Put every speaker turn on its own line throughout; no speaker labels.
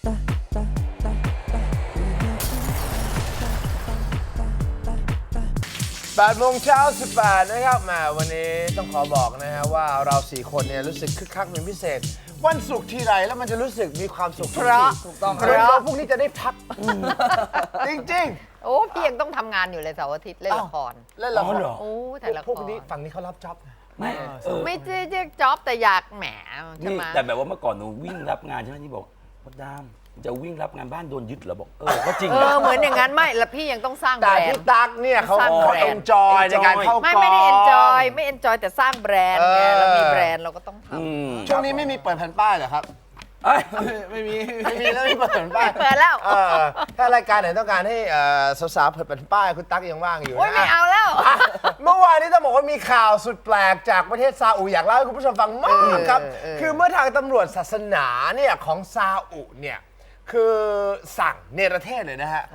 8 โมงเช้า 18 นะครับมาวันนี้ต้องขอบอกนะฮะว่าเรา 4 คนเนี่ยรู้สึกคึกคักเป็นพิเศษ วันศุกร์ทีไรแล้วมันจะรู้สึกมีความสุขทุกทีถูกต้องเราพวกนี้จะได้พักจริงๆ
โอ้พี่ยังต้องทำงานอยู่เลยเสาร์อาทิตย์เล่นละคร
เล่นละคร
โอ้ถ่ายละคร
พวกนี้ฝั่งนี้เขารับจ็อบนะ
ไม่ใช่จ็อบแต่อยากแหมใช่
นี่
ไหม
แต่แบบว่าเมื่อก่อนหนูวิ่งรับงานใช่ไหมนี่บอกมดดามจะวิ่งรับงานบ้านโดนยึดเหรอบอกก็จริงนะ
เหมือนอย่างนั้นไม่แล้วพี่ยังต้องสร้างแบ
แต่
รน
พี่
ด์
ตั๊กเนี่ยเขา
สร้างแบรนด์
เอนจอยในการเข้ากอง
ไม่ได้เอนจอยไม่เอนจอยแต่สร้างแบรนด์ไงเรามีแบรนด์เราก็ต้องทำ
ช่วงนี้ไม่มีเปิดแผ่นป้ายเหรอครับ
เอ้ย
ไม่มีแล้วไม่เปิดแผ่นป้าย
เปิดแล้ว
ถ้ารายการไหนต้องการให้สาวๆเปิดแผ่นป้ายคุณตั๊กยังว่างอยู่
โอ้ย
นะ
ไม่เอาแล้ว
เมื่อวานนี้ต้องบอกว่ามีข่าวสุดแปลกจากประเทศซาอุอยากเล่าให้คุณผู้ชมฟังมากครับ คือเมื่อทางตำรวจศาสนาเนี่ยของซาอุเนี่ยคือสั่งเนรเทศเลยนะฮะ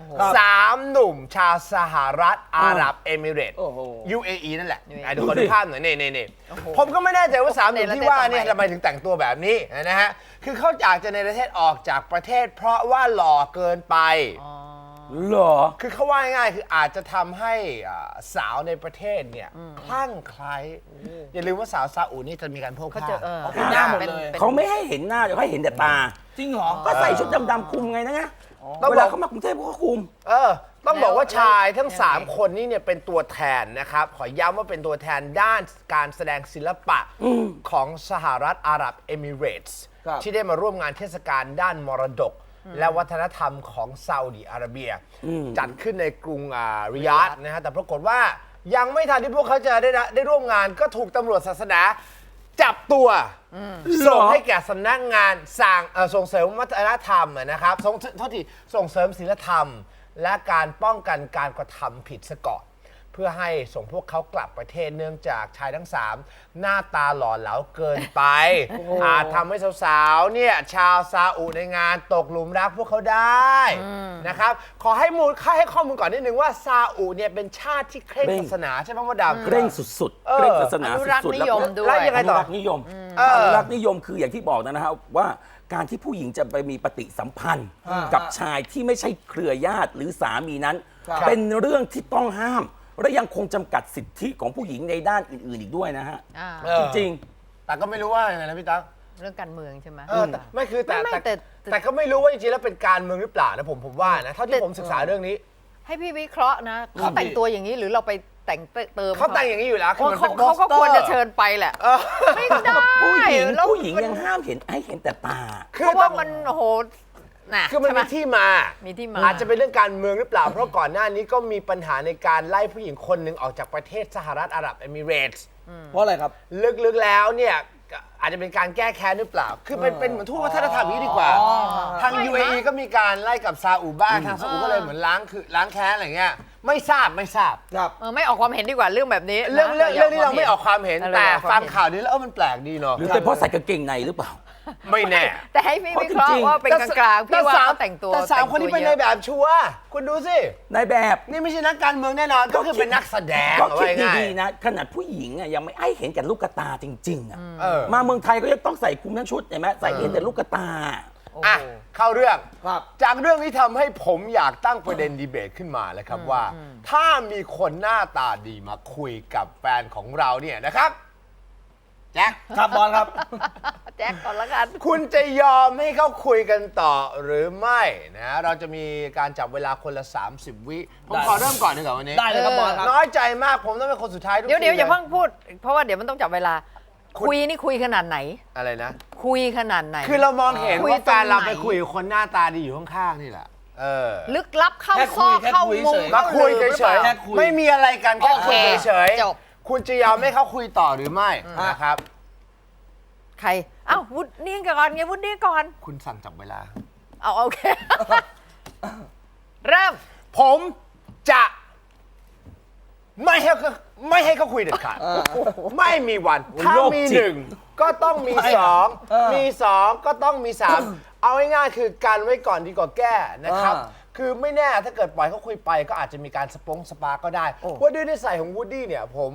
3 หนุ่มชาวสหรัฐอาหรับเอมิเรตส์ UAE นั่นแหละดูคนดูภาพหน่อยนี่ผมก็ไม่แน่ใจว่า3 หนุ่มที่ว่าเนี่ยทำไมถึงแต่งตัวแบบนี้นะฮะคือเขาอยากจะเนรเทศออกจากประเทศเพราะว่าหล่อเกินไป
เหรอ
คือเขาว่าง่ายๆคืออาจจะทำให้สาวในประเทศเนี่ยคลั่งไคล้อย่าลืมว่าสาวซาอุนี่จะมีการโพก
เขา
ผ้า
จะ
เป็นหน้าหมดเลย
เขาไม่ให้เห็นหน้าเดี๋ยวให้เห็นแต่ตา
จริงเหรอ
ก็ใส่ชุดดำๆคลุมไงนะ
ต้อง
เว
บ
ลา
อก
เขามากรุงเทพเขาก็คลุม
ต้องบอกว่าชายทั้ง 3 คนนี้เนี่ยเป็นตัวแทนนะครับ ขอย้ำว่าเป็นตัวแทนด้านการแสดงศิลปะของสหรัฐอาหรับเอมิเรตส์
ครับ
ที่ได้มาร่วมงานเทศกาลด้านมรดก และวัฒนธรรมของซาอุดิอาระเบีย จัดขึ้นในกรุงริยาดนะฮะแต่ปรากฏว่ายังไม่ทันที่พวกเขาจะได้ร่วมงานก็ถูกตำรวจศาสนาจับตัวส่งให้แก่สำนักงานส่งเสริมวัฒนธรรมนะครับส่งเสริมศีลธรรม และการป้องกันการกระทำผิดซะก่อนเพื่อให้ส่งพวกเขากลับประเทศเนื่องจากชายทั้ง 3 หน้าตาหล่อเหลาเกินไปอาจทำให้สาวๆเนี่ยชาวซาอุในงานตกหลุมรักพวกเขาได้นะครับขอให้ข้อมูลก่อนนิดนึงว่าซาอุเนี่ยเป็นชาติที่เคร่งศาสนาใช่ไหมมดดำ
เคร่งสุดๆ เคร่งศาสนา
อนุรักษ์
สุดๆ
นิยมด้วย
แล้วยังไง
อนุรักษ์นิยมอนุรักษ์นิยมคืออย่างที่บอกนะฮะว่าการที่ผู้หญิงจะไปมีปฏิสัมพันธ์กับชายที่ไม่ใช่เครือญาติหรือสามีนั้น เป็นเรื่องที่ต้องห้าม และยังคงจำกัดสิทธิของผู้หญิงในด้านอื่นๆอีกด้วยนะฮะ จริง
แต่ก็ไม่รู้ว่ายังไงนะพี่ตั๊ก
เรื่องการเมืองใช่ไหม
แต่ไม่คือแต่
ไม่แต่
แต่ก็ไม่รู้ว่าจริงๆแล้วเป็นการเมืองหรือเปล่านะผมว่านะเท่าที่ผมศึกษาเรื่องนี้
ให้พี่วิเคราะห์นะเขาแต่งตัวอย่างนี้หรือเราไปแต่งเติม
เขาแต่งอย่างนี้อยู่แล้วคือมัน
เขา
เป็น
เขาก็
โปสเตอร์
ควรจะเชิญไปแหละไม่ได้
ผู้หญิง
แล้ว
ผู้หญิงยังห้ามเห็นให้เห็นแต่ตา
เพราะว่ามันโอ้โหน่ะ
คือมัน
ใช่ไห
มีที่มา
มีที่มา
อาจจะเป็นเรื่องการเมืองหรือเปล่า เพราะก่อนหน้านี้ก็มีปัญหาในการไล่ผู้หญิงคนหนึ่งออกจากประเทศสหรัฐอาหรับเอมิเรตส์
เพราะอะไรครับ
ลึกๆแล้วเนี่ยอาจจะเป็นการแก้แค้นหรือเปล่า คือเป็นเหมือนทูตวัฒนธรรมอย่างนี้ดีกว่า ทาง UAE ก็มีการไล่กับซาอุบ้างทางซาอุก็เลยเหมือนล้างแค้นอะไรเงี้ยไม่ทราบ
ครับ
ไม่ออกความเห็นดีกว่าเรื่องแบบนี้
เรื่อง
นะ
นี้เราไม่ออกความเห็น
เรา
แต่
ออกคว
ฟั
ม
ง
เห็น
ข่าวนี้แล้วมันแปลกดีเนาะ
หรือเป็นเพราะใส่กางเกงในหรือเปล่า
ไม่แน่
แต่ให้พี่วิเคราะ
เพราะจริ
ห์
งๆ
ว่าเป็นกลางๆพี่ว่าเขาแต่งตัว
แต่สามคนนี้เป็นในแบบชัวร์คุณดูสิ
ในแบบ
นี่ไม่ใช่นักการเมืองแน่นอนก็คือเป็นนักแสดง
ก็คิด
ว่าง่าย
ดีๆนะขนาดผู้หญิงอ่ะยังไม่ให้เห็นแต่ลูกตาจริงๆอ่ะ
ๆ
มาเมืองไทยก็ยังต้องใส่คลุมทั้งชุดเห็นไหมใส่เห็นแต่ลูกตา
อ่ะเข้าเรื่อง
ครับ
จากเรื่องนี้ทำให้ผมอยากตั้งประเด็นดีเบตขึ้นมาเลยครับว่า ถ้ามีคนหน้าตาดีมาคุยกับแฟนของเราเนี่ยนะครับแจ็ค
ครับบอลครับ
แจ็คก่อนละกัน
คุณจะยอมให้เขาคุยกันต่อหรือไม่นะเราจะมีการจับเวลาคนละ 30 วิผมขอเริ่มก่อนดีกว่าวันนี้
ได้เลยครับบอลครับ
น้อยใจมากผมต้องเป็นคนสุดท้ายทุก
เดี๋ยว
ที
อย่า
ล
เพิ่งพูด เพราะว่าเดี๋ยวมันต้องจับเวลา คุยนี่คุยขนาดไหน
อะไรนะ
คุยขนาดไหน
คือเรามองเห็น
คุย
ว่าแฟนเรา
ตรงไหน
ไปคุยกับคนหน้าตาดีอยู่ข้างๆนี่แหละ
ลึกลับเข้า
แค่
ซ
คุ
อย ก
แค่
เข้า
คุย
มุม
เฉย
มา
เข้า
คุย
หลืบหรือ
เฉ
เปล่า
ย
แค่คุย
ๆไม่มีอะไรกันแค่
โอเค
คุยเฉยๆ
จบ
คุณจะยอมให้เขาคุยต่อหรือไม่นะครับ
ใครอ้าววุฒนี่ก่อนไงวุฒนี่ก่อน
คุณสั่งจับเวลา
เอาโอเค เริ่ม
ผมจะไม่ให้เขาคุยเด็ดขาดไม่มีวัน ถ้า
โรค
มี
จิต
หนึ่งก็ต้องมีสองมีสองก็ต้องมีสามเอาง่ายๆคือการไว้ก่อนดีกว่าแก้นะครับ คือไม่แน่ถ้าเกิดปล่อยเขาคุยไปก็อาจจะมีการสปาร์ก็ได้ว่าด้วยนิสัยของวูดดี้เนี่ยผม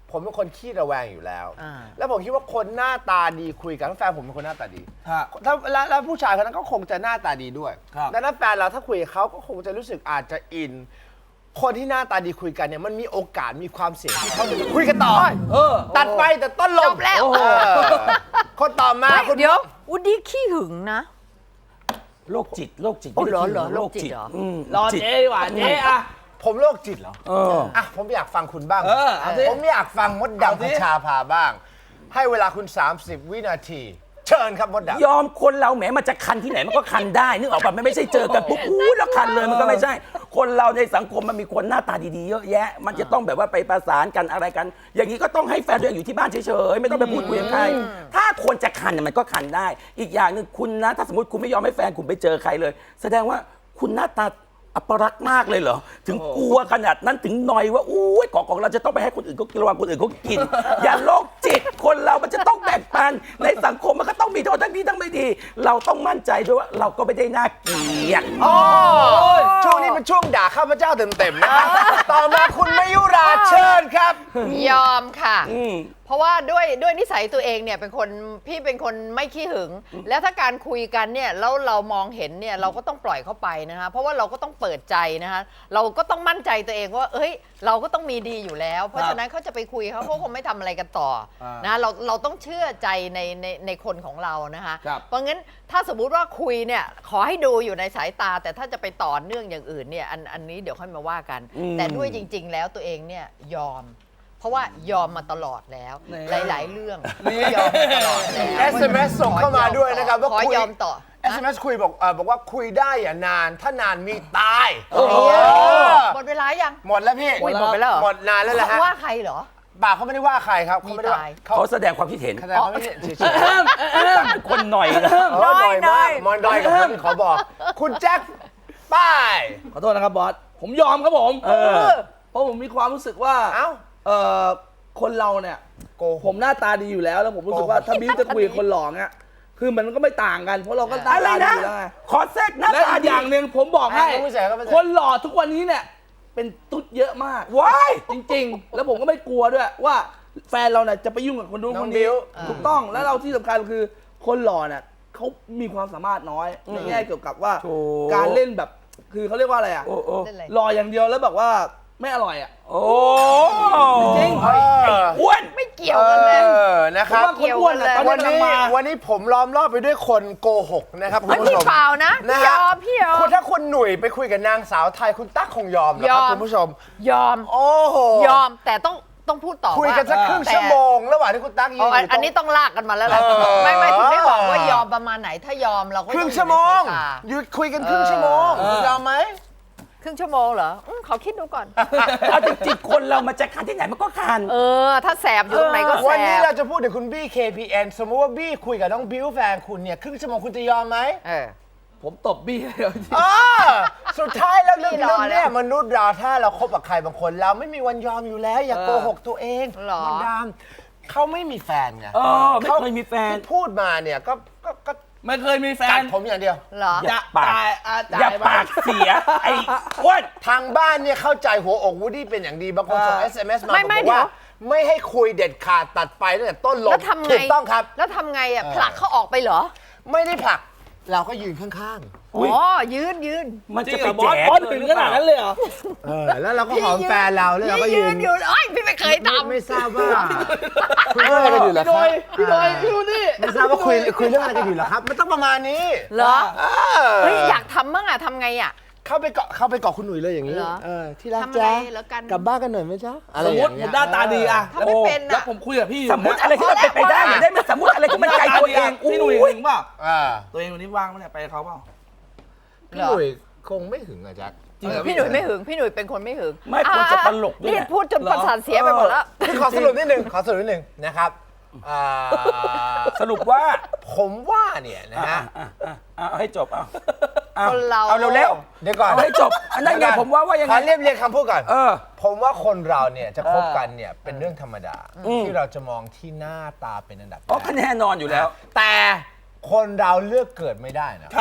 ผมเป็นคนขี้ระแวงอยู่แล้ว
อ่า
แล้วผมคิดว่าคนหน้าตาดีคุยกันแฟนผมเป็นคนหน้าตาดี
ฮะ
ถ้าแล้วผู้ชายคนนั้นก็คงจะหน้าตาดีด้วย
ครับ
ดังนั้นแฟนเราถ้าคุยกับเขาก็คงจะรู้สึกอาจจะอิน คนที่หน้าตาดีคุยกันเนี่ยมันมีโอกาสมีความเสี่ยงที่เขาจะคุยกันต่อ ตัดไปแต่ต้นลม
จบแล้ว
คนต่อมาคุณ
เดี๋ยววูดดี้ขี้หึงนะ
โรคจิตโรคจิต
โอ้เหรอ
ไม่ได้
เหรอ
โรคจิต
โรคจิตเหรอ
รอ
จิต
เจ๊ดีกว่าเจ๊อะ
ผมโรคจิตเหรอ อ่ะผมอยากฟังคุณบ้าง
เอาสิ
ผมอยากฟังมด
เอา
ดำ
สิ
พัชชาภาบ้าง ให้เวลาคุณ 30 วินาที เชิญครับมดดำ
ยอมคนเราแหมมันจะคันที่ไหนมันก็คันได้นึกออกป่ะมันไม่ใช่เจอกันปุ๊บอู้แล้วคันเลยมันก็ไม่ใช่ คนเราในสังคมมันมีคนหน้าตาดีๆเยอะแยะ มันจะต้องแบบว่าไปประสานกันอะไรกัน อย่างนี้ก็ต้องให้แฟนตัวเองอยู่ที่บ้านเฉยๆไม่ต้องไปพูดคุยกับใครถ้าคนจะคันเนี่ยมันก็คันได้ อีกอย่างหนึ่งคุณนะถ้าสมมติคุณไม่ยอมให้แฟนคุณไปเจอใครเลย แสดงว่าคุณหน้าตาอัปรักษณ์มากเลยเหรอถึงกลัวขนาดนั้นถึงหน่อยว่าอู้ยของเราจะต้องไปให้คนอื่นเขากินระหว่างคนอื่นเขากิน อย่าโรคจิตคนเรามันจะต้องแบ่งปันในสังคมมันก็ต้องมีโทษทั้งดีทั้งไม่ดี เราต้องมั่นใจด้วยว่าเราก็ไม่ได้น่าเกลียด
ช่วงนี้เป็นช่วงด่าข้าพเจ้าเต็มๆนะครับต่อมาคุณมยุราเชิญครับ
ยอมค่ะ เพราะว่าด้วยนิสัยตัวเองเนี่ยพี่เป็นคนไม่ขี้หึง แล้วถ้าการคุยกันเนี่ยแล้วเรามองเห็นเนี่ยเราก็ต้องปล่อยเข้าไปนะคะเพราะว่าเราก็ต้องเปิดใจนะคะเราก็ต้องมั่นใจตัวเองว่าเอ้ยเราก็ต้องมีดีอยู่แล้ว เพราะฉะนั้นเขาจะไปคุยเขาคงไม่ทำอะไรกันต่อนะเราต้องเชื่อใจในคนของเรานะคะ
ครับ
เพราะงั้นถ้าสมมุติว่าคุยเนี่ยขอให้ดูอยู่ในสายตา แต่ถ้าจะไปต่อเนื่องอย่างอื่นเนี่ยอันนี้เดี๋ยวค่อยมาว่ากัน แต่ด้วยจริง ๆ แล้วตัวเองเนี่ยยอม เพราะว่ายอมมาตลอดแล้ว หลาย ๆ เรื่องยอมมาตลอดแล้ว
SMS ส่งเข้ามาด้วยนะครับว่า
ขอ
คุย
ยอมต่อ
SMS คุยบอกว่าคุยได้อย่านาน ถ้านานมีตาย
หมดเวลายัง
หมดแล้วพี่
อุ๊ยหมดไปแล้วเหรอ
หมดนานแล้วแหละฮะ
ว่าใครเหรอ
ป่าเขาไม่ได้ว่าใครครับเขาไม่ได้ว่า
มีตาย
เขา
เขาแสดงความคิดเห็น
แสดงความคิดเห็นเฉย
เป็นคนหน่อยนะ
ๆดอยมากมอนดอยกับผมขอบอก คุณแจ็คป้าย
ขอโทษนะครับบอส ผมยอมครับผม เพราะผมมีความรู้สึกว่า
เอ้า
คนเราเนี่ย
โกหก
ผมหน้าตาดีอยู่แล้ว แล้วผมรู้สึกว่าถ้าบิ้วจะคุยกับคนหล่อเนี่ยคือมันก็ไม่ต่างกัน เพราะเราก็หน้า
อะไร
ตาดี
นะ
อยู่แล้วไง
ขอแทรกหน้า
และ
ตา
อีก
ดี
อย่างหนึ่งผมบอกให้
ก็ไม่ใช่ก็ไม่ใช่
คนหล่อทุกวันนี้เนี่ย เป็นตุ๊ดเยอะมาก
ว้าย
จริงๆ แล้วผมก็ไม่กลัวด้วยว่าแฟนเราเนี่ยจะไปยุ่งกับคนนู้น
น้
ค
อง
น
บิ้
นี้
ว
ถูกต้องแล้วเราที่สำคัญคือคนหล่อเนี่ยเขามีความสามารถน้อยในแง่เกี่ยวกับว่า
โถ่
การเล่นแบบคือเขาเรียกว่าอะไรอ่ะ
โอ้โอ้
เล่นอะไร
หล่ออย่างเดียวแล้วแบบว่าไม่อร่อยอ่ะ
โอ้
จริง
อ้วน
ไม่เกี่ยวกันเลย
นะค
ผม
รับ
ว่าคนอ้วนอ่ะตอน
วัน
นี้กำลัง
นี้
มา
วันนี้ผมล้อมรอบไปด้วยคนโกหกนะครับคุณ
เฮ้ย
ผู้ช
พี่
ม
เปล่านะพี่ย
ฮ
อมพี่ยอม
คุณถ้าคุณหนุ่ยไปคุยกับนางสาวไทยคุณตั๊กคงยอมนะครั
ย
บ
อม
คุณผู้ชม
ยอม
โอ้โห
ยอมแต่ต้องพูดต่อ
คุยกันสักครึ่ง
แต่
ชั่วโมง ระหว่างที่คุณตั๊กยืน
อ๋อ
อยู่
อันนี้ต้องลากกันมาแล้วแหละ
เออ
ไม่ถึงได้บอกว่ายอมประมาณไหนถ้ายอมเราก็
ครึ่ง
ต้อ
ชั่วโมง
อยู่ในสายตา
หยุดคุยกันครึ่งชั่วโมงคุณยอมไหม
ครึ่งชั่วโมงเหรอขอคิดดูก่อน
เอาจริงๆคนเรามันจะคันที่ไหนมันก็คัน
ถ้าแสบอยู่ตรงไหนก็แส
วันนี้
บ
เราจะพูดถึงคุณบี้ KPN สมมติว่าบี้คุยกับน้องบิวแฟนคุณเนี่ยครึ่งชั่วโมงคุณจะยอมไหม
ผมตบบี้เลย
สุดท้ายแล้วเรื่อง
พี่รอ
เนี่ย
แล้ว
มนุษย์เราถ้าเราคบกับใครบางคน เราไม่มีวันยอมอยู่แล้ว อย่าโกหกตัวเอง
หรอ
มันดามเขาไม่มีแฟนไง
ไม่เคยมีแฟน
ที่พูดมาเนี่ยก็
ไม่เคยมีแฟ
กั
น
ดผมอย่างเดียว
เหรอ
อย่าปาก
จ่าย
อย่าปากเสีย ไอ้อ้วน
ทางบ้านเนี่ยเข้าใจหัวอกวูดดี้เป็นอย่างดี บางคนส่ง SMS มา
ไม่
บอก
เดี๋
ว่า
ยว
ไม่ให้คุยเด็ดขาดตัดไปตั้งแต่ต้นลม
แล้วทำไง
ถูกต้องครับ
แล้วทำไงผลักเขาออกไปเหรอ
ไม่ได้ผลัก เราก็ยืนข้าง
อุ๊ย
อ๋อยืน
มัน
จริ
จะ
งเห
ไป
รอบอส
แจก
บอสถึงขนาดนั้นเลยเหรอ
ๆแล้วเราก็หอมแฟนเราแล้วเราก็
ยื
ยื
น
น
อยู่เอ้ยพี่ไม่เคยทำ
ไม่ทราบว่าคุยเรื่องอะไรกันอยู่เหรอ
พี่
ครับ
โดยพี่ดูนี่
ไม่ทราบว่าคุยเรื่องอะไรกันอยู่เหรอครับมันต้องประมาณนี้
เหรอ
เอ
เฮ้ยอยากทำบ้างทำไง
เข้าไปเกาะคุณหนุ่ยเลยอย่างนี้
เหรอ
ที่รัก
ทำอะไร
จ๊ะ
แล้วกัน
กลับบ้านกันหน่อยไหมจ๊ะอะไร
สม
อ
ม
ย่า
ติ
ง
ผ
เงี้
ม
ย
หน้าตาดีอะ
ถ้าไม่เป็น
แล้ว
อะ
ผมคุยกับพี่อยู่
สมมติอะไรที่มันเป็นไปได้อย่าได้มันสมมติอะไรที่มันไกลตัวเอง
พี่หนุ่ย
อุ๊ย
ถึงเปล่า
อ่า
ตัวเองวันนี้ว่างไหมเนี่ยไปกับเขาเปล่า
พี่หนุ่ยคงไม่หึงอะแจ๊ค
พี่หนุ่ยไม่หึงพี่หนุ่ยเป็นคนไม่หึง
ไม่ควรจะตลกด้วย
นี่
แหละ
พูดจนประสาทเสียไปหมดแล้ว
ขอสรุปนิดนึงนะครับอ่า
สรุปว่า
ผมว่าเนี่ยนะฮะ
เอาให้จบเอา
คนเรา
เอาเร็ว
เดี๋ยวก่อน
เอาให้จบอันนั้นไงผมว่ายัง
ข
ไง
อเรียบคำพูดก่อน
เออ
ผมว่าคนเราเนี่ยจะคบกันเนี่ยเป็นเรื่องธรรมดา ที่เราจะมองที่หน้าตาเป็นอันดับแร
อ๋อก คะแนนนอนอยู่แล้ว
แต่คนเราเลือกเกิดไม่ได้นะครับ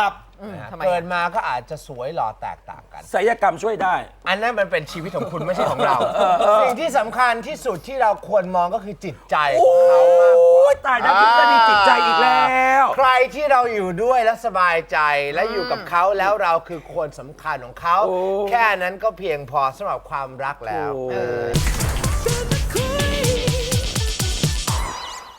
นะฮะ
ทำไม
เกิดมาก็อาจจะสวยหล่อแตกต่างกัน
ศัลยกรรมช่วยได้
อันนั้นมันเป็นชีวิตของคุณไม่ใช่ของเรา สิ่งที่สำคัญที่สุดที่เราควรมองก็คือจิตใจของเขามากกว่า
โอ้ยตายแล้วทฤษฎีจิตใจอีกแล้ว
ใครที่เราอยู่ด้วยแล้วสบายใจและอยู่กับเขาแล้วเราคือคนสำคัญของเขา
โอ้
แค่นั้นก็เพียงพอสำหรับความรักแล้ว
โอ้